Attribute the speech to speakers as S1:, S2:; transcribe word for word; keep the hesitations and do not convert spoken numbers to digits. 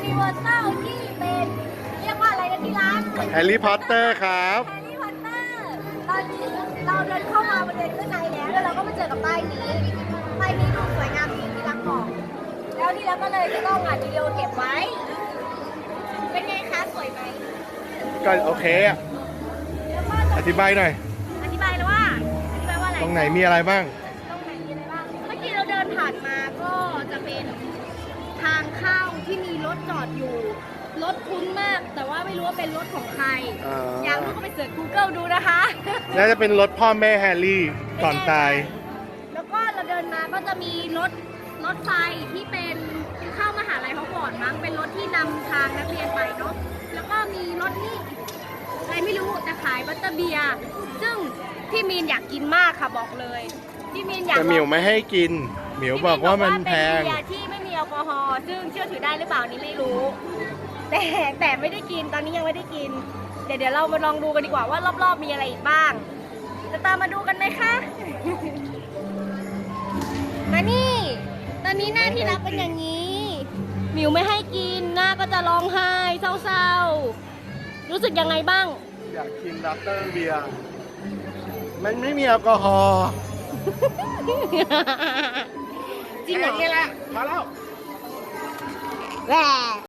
S1: นิเวอร์แซลที่เป็นเรียกว่าอะไรนะที่ร้าน
S2: แฮร์รี่พอตเตอร์ครับ
S1: แฮร์รี่พอตเตอร์ตอนนี้เราเดินเข้ามาบริเวณข้างในแล้วแล้วเราก็มาเจอกับป้ายนี้ป้ายนี้ดูสวยงามดีที่รักบอกแล้วที่รักก็เลยจะต้องอัดวิดีโอเก็บไว้เป็นไงคะสวยไหม
S2: ก็โอเคอะ
S1: แล้วก็
S2: อธิบายหน่อย
S1: อธิบายเลยว่าอธิบายว่าอะไร
S2: ตรงไหนมีอะไรบ้าง
S1: ตรงไหนมีอะไรบ้างเมื่อกี้เราเดินผ่านมาก็จะเป็นทางเข้าที่มีรถจอดอยู่รถคุ้นมาก แต่ว่าไม่รู้ว่าเป็นรถของใคร
S2: อ่า
S1: อยากรู้ก็ไปเสิร์ช Google ดูนะคะ
S2: น่าจะเป็นรถพ่อแม่แฮร์รี่ก่อนตาย
S1: แล้วก็เราเดินมาก็จะมีรถรถไฟที่เป็นเข้ามหาลัยฮอกวอตส์มั้งเป็นรถที่นำทางนักเรียนไปเนาะแล้วก็มีรถนี่อะไรไม่รู้แต่ขายบัตเตอร์เบียร์ซึ่งพี่มีนอยากกินมากค่ะบอกเลยพี่มีนอยาก
S2: แต่หมิวไม่ให้กิน หมิวบอกว่ามันแพง
S1: เป็นเบียร์ที่ไม่มีแอลกอฮอล์ซึ่งเชื่อถือได้หรือเปล่านี่ไม่รู้ แต่แต่ไม่ได้กินตอนนี้ยังไม่ได้กิน เดี๋ยวเดี๋ยวเรามาลองดูกันดีกว่าว่ารอบๆมีอะไรอีกบ้าง จะตามมาดูกันไหมคะ มานี่ ตอนนี้หน้าที่รักเป็นอย่างนี้หมิวไม่ให้กินหน้าก็จะร้องไห้เศร้าๆรู้สึกยังไงบ้าง
S2: อยากกินดับเตอร์เบียร์มันไม่มีแอลกอฮอล์
S1: จริงเหรอ
S2: แค่นี้แหละพอแล้ว
S1: แหว